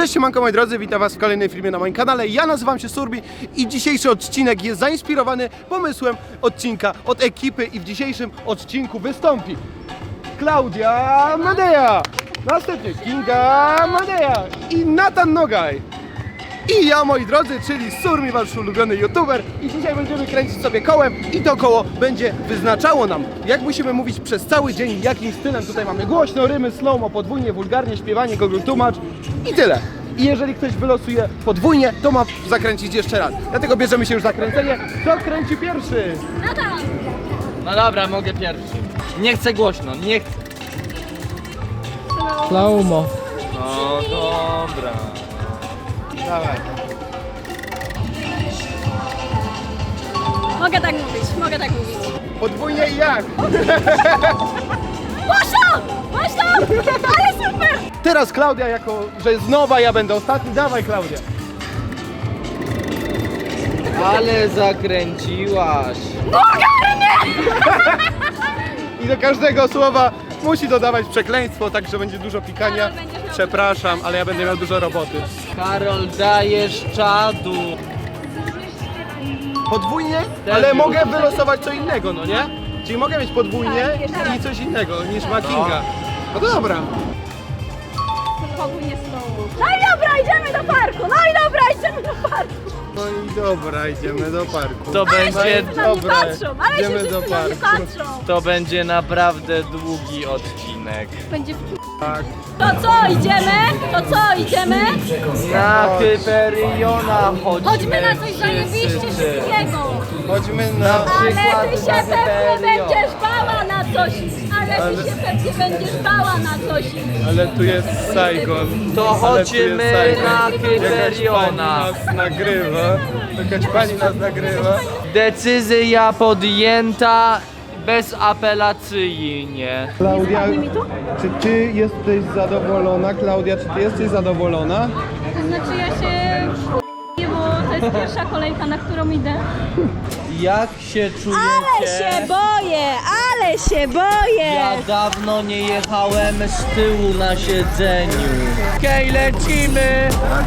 Cześć, siemanko moi drodzy, witam was w kolejnym filmie na moim kanale. Ja nazywam się Surbi i dzisiejszy odcinek jest zainspirowany pomysłem odcinka od ekipy i w dzisiejszym odcinku wystąpi Klaudia Madeja, następnie Kinga Madeja i Nathan Nogaj. I ja, moi drodzy, czyli Surmi, wasz ulubiony youtuber, i dzisiaj będziemy kręcić sobie kołem i to koło będzie wyznaczało nam, jak musimy mówić przez cały dzień, jakim stylem. Tutaj mamy głośno, rymy, slow-mo, podwójnie, wulgarnie, śpiewanie, Google tłumacz i tyle. I jeżeli ktoś wylosuje podwójnie, to ma zakręcić jeszcze raz. Dlatego bierzemy się już za kręcenie. Kto kręci pierwszy? No dobra, mogę pierwszy. Nie chcę głośno, nie chcę. Slow-mo. No dobra. Dawaj. Mogę tak mówić. Podwójnie i jak? Głośno! Ale super! Teraz Klaudia, jako że jest nowa, ja będę ostatni. Dawaj, Klaudia. Ale zakręciłaś. I do każdego słowa musi dodawać przekleństwo, także będzie dużo pikania. Karol, będziesz miał Przepraszam, ale ja będę miał dużo roboty. Karol, dajesz czadu. Podwójnie, Też ale już. mogę wylosować co innego, no nie? Czyli mogę mieć podwójnie Tak, jeszcze raz. i coś innego niż ma Kinga. No to dobra. Podwójnie slow. No i dobra, idziemy do parku! No i dobra, idziemy do parku. To Ale będzie, wszyscy na mnie Dobra, patrzą! Ale się idziemy wszyscy do na mnie parku. patrzą! to będzie naprawdę długi odcinek. Będzie Tak. To co, idziemy? Na Hyperiona chodźmy. Chodźmy na coś zajebiście wszyscy. szybkiego! Chodźmy na... Ale ty się na pewnie Hyperion. będziesz bała na coś! Ale ty się pewnie będziesz bała na coś! Ale tu jest Saigon. To Ale tu chodźmy jest Saigon. na Jakaś pani Hyperiona. nas nagrywa. Jakaś pani nas nagrywa. Decyzja podjęta bezapelacyjnie. Klaudia, czy ty jesteś zadowolona? Klaudia, czy ty jesteś zadowolona? To znaczy ja się nie, bo to jest pierwsza kolejka, na którą idę. Jak się czujecie? Ale się boję! Ja dawno nie jechałem z tyłu na siedzeniu. Okej, lecimy!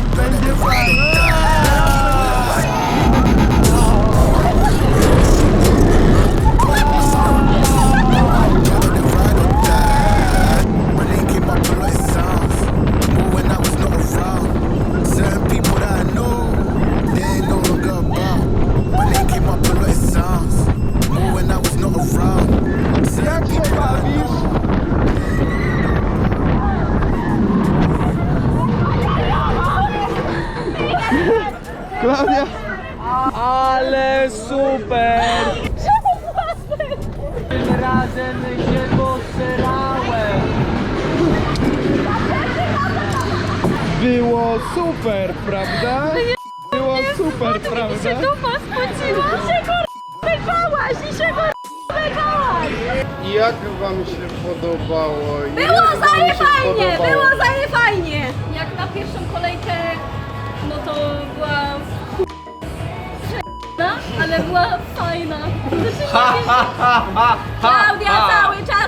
When they came up to like sounds, more when I was not around. Certain people that I know, they ain't no longer about. When they came up to like sounds, more when I was not around. Certain people that I know. Klaudia! Ale super! Tym razem się posrałem. Było super, prawda? Było super, prawda? Dupa spociła, się wybałaś i się wybałaś! I jak wam się podobało? Było zaje fajnie! Jak na pierwszą kolejkę, no to była ale była fajna. Klaudia cały czas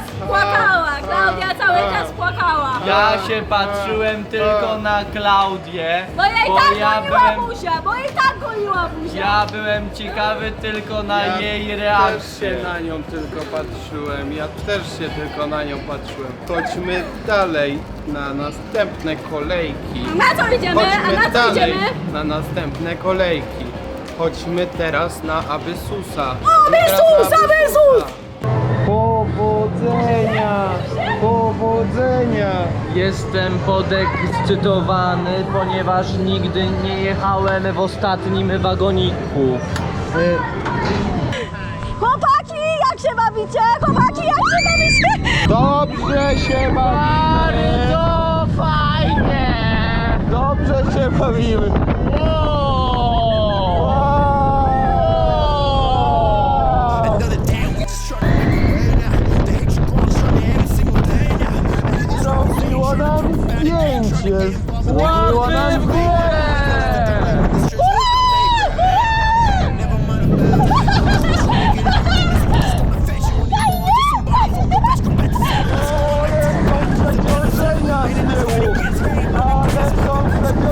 płakała. Ja się patrzyłem tylko na Klaudię, Bo jej tak goliła buzia. ja byłem ciekawy tylko na jej też się reakcję. na nią tylko patrzyłem. Ja też się tylko na nią patrzyłem. Chodźmy dalej na następne kolejki. Na co idziemy? Chodźmy dalej na następne kolejki. Chodźmy teraz na Abysusa. Abysus! Powodzenia! Powodzenia! Jestem podekscytowany, ponieważ nigdy nie jechałem w ostatnim wagoniku. Chłopaki, jak się bawicie? Dobrze się bawimy! Bardzo fajnie! Dobrze się bawimy! Another day, we just trying to make it right now. The hate you going strong every single day now. Zrobiło nam zdjęcie! Zrobiło nam zdjęcie! Never mind about it. Just wanna get it right. Just gonna face you when you want to somebody from the best. Come back to Ale są przeciążenia z tyłu! Ale są przeciążenia!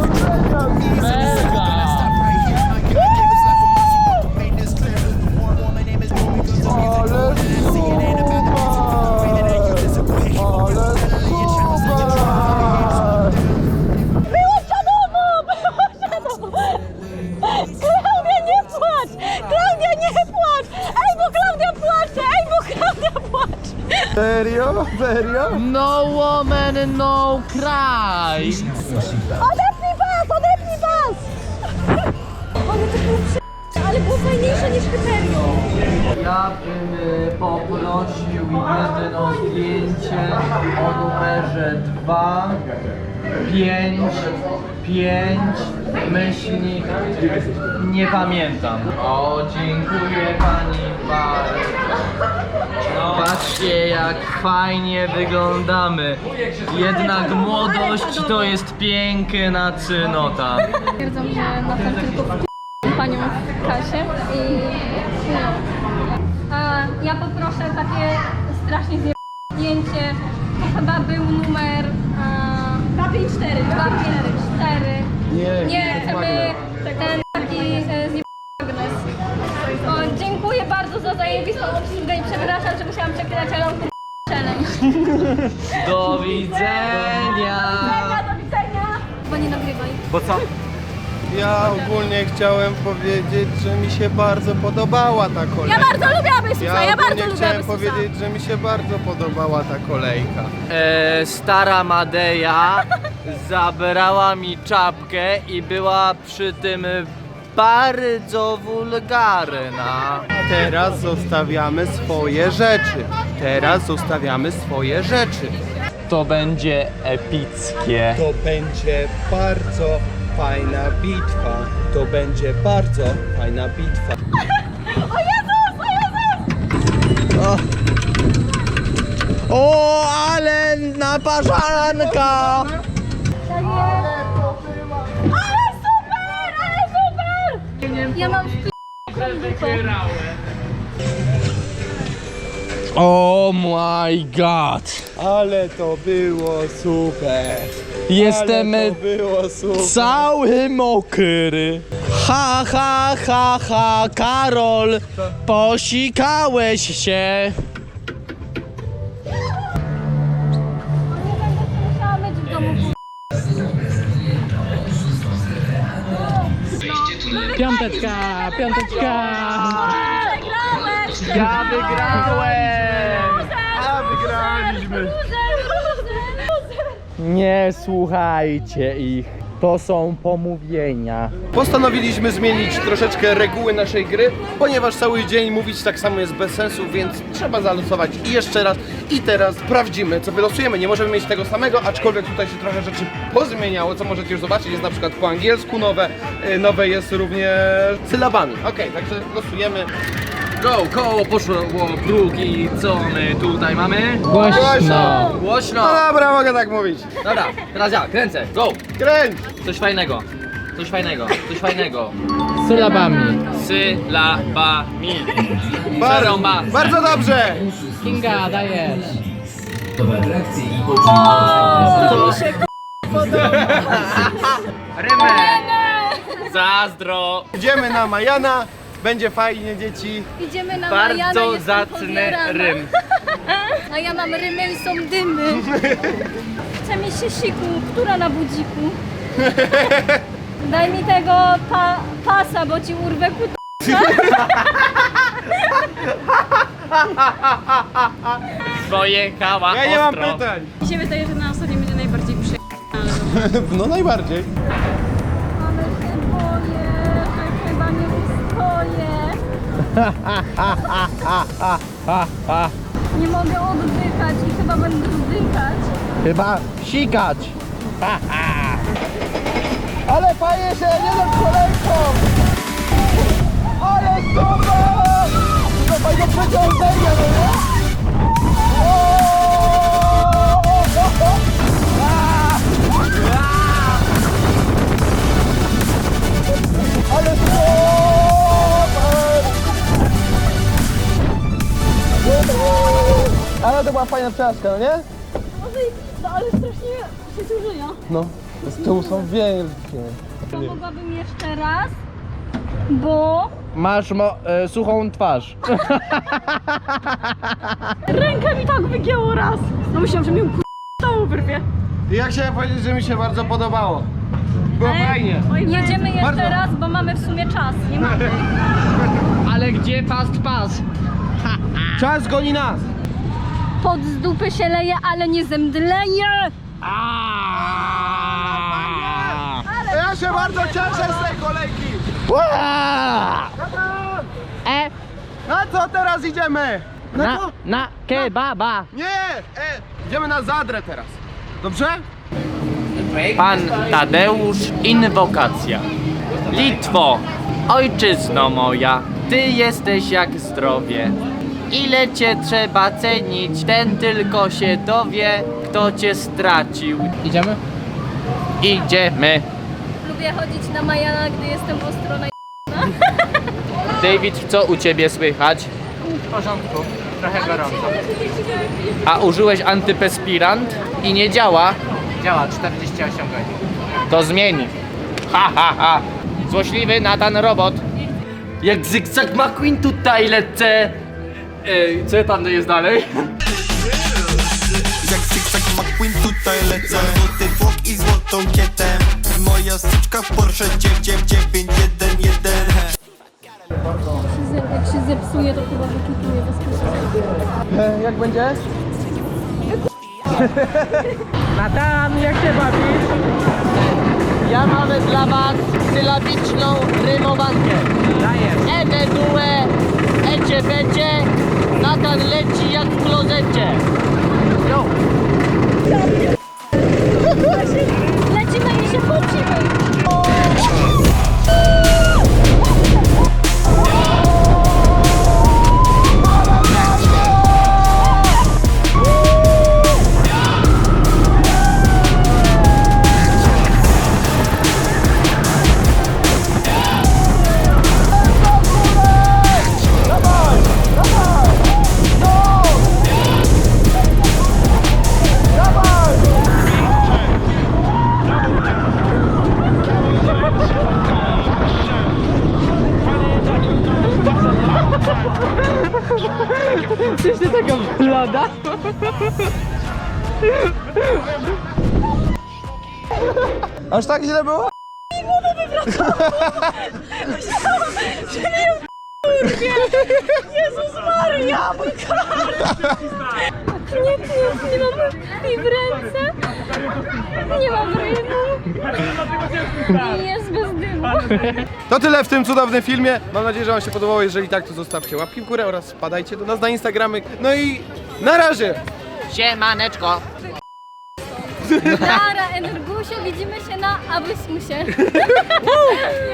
Serio? No woman, no cry. Odepnij pas! Ale to było ale było fajniejsze niż Hyperion. Ja bym poprosił jedno zdjęcie o numerze 2, 5, 5, myślnik, nie pamiętam. O, dziękuję pani bardzo. Patrzcie jak fajnie wyglądamy. Jednak młodość to jest piękna cnota. Stwierdzam, że na tym tylko panią w kasie i no. A ja poproszę takie strasznie zdjęcie. To chyba był numer 254. 254. Nie, chcemy ten taki magnes. O, dziękuję bardzo za zajebistą obsługę i przepraszam, że musiałam przeklinać, ale on challenge. Do widzenia. Do widzenia. Bo nie nagrywaj. Bo co? Ja ogólnie chciałem powiedzieć, że mi się bardzo podobała ta kolejka. Ja bardzo lubię Abysusa, ja bardzo lubię chciałem Abysusa. powiedzieć, że mi się bardzo podobała ta kolejka. Stara Madeja zabrała mi czapkę i była przy tym bardzo wulgarna. Teraz zostawiamy swoje rzeczy. To będzie epickie. To będzie bardzo fajna bitwa. O Jezus, o Jezus! O, ale naparzanka! Ale super! Ja mam Oh my god! Ale to było super. Jestem Ale to było super. cały mokry. Ha, ha, ha, ha, Karol, posikałeś się. musiała być w domu. Piąteczka. Przegrałeś! Ja wygrałem! A wygraliśmy. Nie słuchajcie ich. To są pomówienia. Postanowiliśmy zmienić troszeczkę reguły naszej gry, ponieważ cały dzień mówić tak samo jest bez sensu, więc trzeba zalosować i jeszcze raz. I teraz sprawdzimy, co wylosujemy. Nie możemy mieć tego samego, aczkolwiek tutaj się trochę rzeczy pozmieniało, co możecie już zobaczyć. Jest na przykład po angielsku nowe jest również sylabami. Okej, także losujemy. Go, koło poszło próg i co my tutaj mamy? Głośno! Głośno! No dobra, mogę tak mówić. Dobra, teraz ja, kręcę, go! Kręć! Coś fajnego. Sylabami. Sylabami. Przerąba. Bardzo dobrze! Kinga, dajesz. Zazdro. Idziemy na Majana, będzie fajnie, dzieci. Idziemy na Majana, Bardzo jestem zacny podjarana. rym. A ja mam rymy i są dymy. Chce mi się siku, która na budziku? Daj mi tego pasa, bo ci urwę Pojechała Ja nie mam ostro. pytań. Mi się wydaje, że na ostatnim będzie najbardziej No najbardziej. Ale się boję, że chyba nie ustoję. Nie mogę oddychać i chyba będę zdychać. Chyba sikać. Ale fajnie się jeden kolejką! Ale super! To fajne przeciążenie, no nie? Ale super! Ale to była fajna przejażdżka, no nie? Może i pizza, ale strasznie się zużyja. No, z tyłu są wielkie. Mogłabym jeszcze raz, bo Masz suchą twarz. rękę mi tak wygięło raz. No myślałam, że mi całą wyrwie. Ja chciałem powiedzieć, że mi się bardzo podobało. Było fajnie. jedziemy jeszcze Bardzo. raz, bo mamy w sumie czas. Nie mamy. Ale gdzie fast pass? Czas goni nas. Pot z dupy się leje, ale nie zemdleje! Ja się bardzo cieszę z tej kolejki! Na co teraz idziemy? Na co? Na kebaba. Nie! Idziemy na Zadrę teraz. Dobrze? Pan Tadeusz, inwokacja. Litwo, ojczyzno moja, ty jesteś jak zdrowie. Ile cię trzeba cenić, ten tylko się dowie, kto cię stracił. Idziemy? Idziemy. Lubię chodzić na Majana, gdy jestem ostro na David, co u ciebie słychać? W porządku. Trochę gorąco. A użyłeś antyperspirant i nie działa? Działa 48 godzin. To zmieni. Ha, ha, ha. Złośliwy Nathan Robot. Jak Zygzak McQueen tutaj lecę. Co tam jest dalej? Jak zygzak McQueen tutaj lecę. Złoty tłok i złotą kietę. Moja styczka w Porsche 911. Jak się zepsuje, to chyba wykituję bezpośrednio. Jak będzie? Nathan, jak się bawisz? Ja mamy dla was sylabiczną rymowankę. Dajesz. Ede due, ecie becie, Nathan leci jak w klozecie. Yo. Lecimy i się pocimy! Aż tak źle było? Jezus Maria, mój Nie mam krwi w ręce. Nie mam rymu. I jest bez dymu. To tyle w tym cudownym filmie. Mam nadzieję, że wam się podobało. Jeżeli tak, to zostawcie łapki w górę oraz wpadajcie do nas na Instagramy. No i na razie! Siemaneczko. Dara, Energusio, widzimy się na Abysmusie.